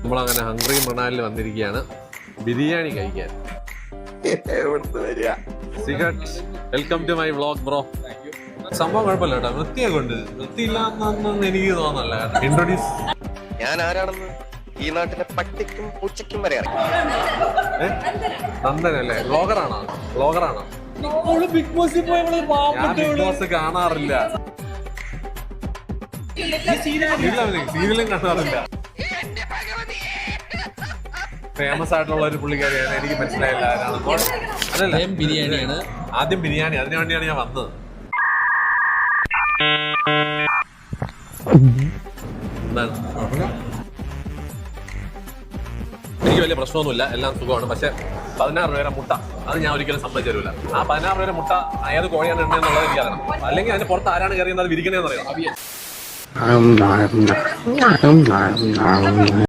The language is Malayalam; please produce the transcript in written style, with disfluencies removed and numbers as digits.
നമ്മളങ്ങനെ ഹംഗ്രി മൃണാലിൽ വന്നിരിക്കുകയാണ് ബിരിയാണി കഴിക്കാൻ. Welcome to my vlog bro. സംഭവം കുഴപ്പമില്ല കേട്ടോ, വൃത്തിയൊക്കെ ഉണ്ട്. വൃത്തിയില്ലാന്നൊന്നും എനിക്ക് തോന്നല്ല. ഇൻട്രൊഡ്യൂസ് ഞാൻ ആരാണെന്ന് ഈ നാട്ടിലെ പട്ടിക്കും പൂച്ചയ്ക്കും വരെ അറിയാം. നന്ദനല്ലേ? വ്ളോഗറാണോ? ബിഗ് ബോസിൽ പോയി ഞാൻ ബിഗ് ബോസ് കാണാറില്ല, സീരിയലും കാണാറില്ല. ഫേമസ് ആയിട്ടുള്ള ഒരു പുള്ളിക്കാരിയാണ്, എനിക്ക് മനസ്സിലായില്ല ആരാണെന്ന്. അതല്ല, ബിരിയാണിയാണ്. ആദ്യം ബിരിയാണി, അതിനു വേണ്ടിയാണ് ഞാൻ വന്നത്. എന്താണ്? എനിക്ക് വലിയ പ്രശ്നമൊന്നുമില്ല, എല്ലാം സുഖമാണ്. പക്ഷെ 16 രൂപ മുട്ട, അത് ഞാൻ ഒരിക്കലും സമ്മതിച്ചു തരൂല. ആ 16 രൂപ മുട്ട ഏത് കോഴിയാണ് ഉണ്ടെന്നുള്ളത് എനിക്കറിയണം. അല്ലെങ്കിൽ അതിന് പുറത്ത് ആരാണ് കയറിയെന്ന് അത് വിരിക്കണേന്ന് അറിയാം.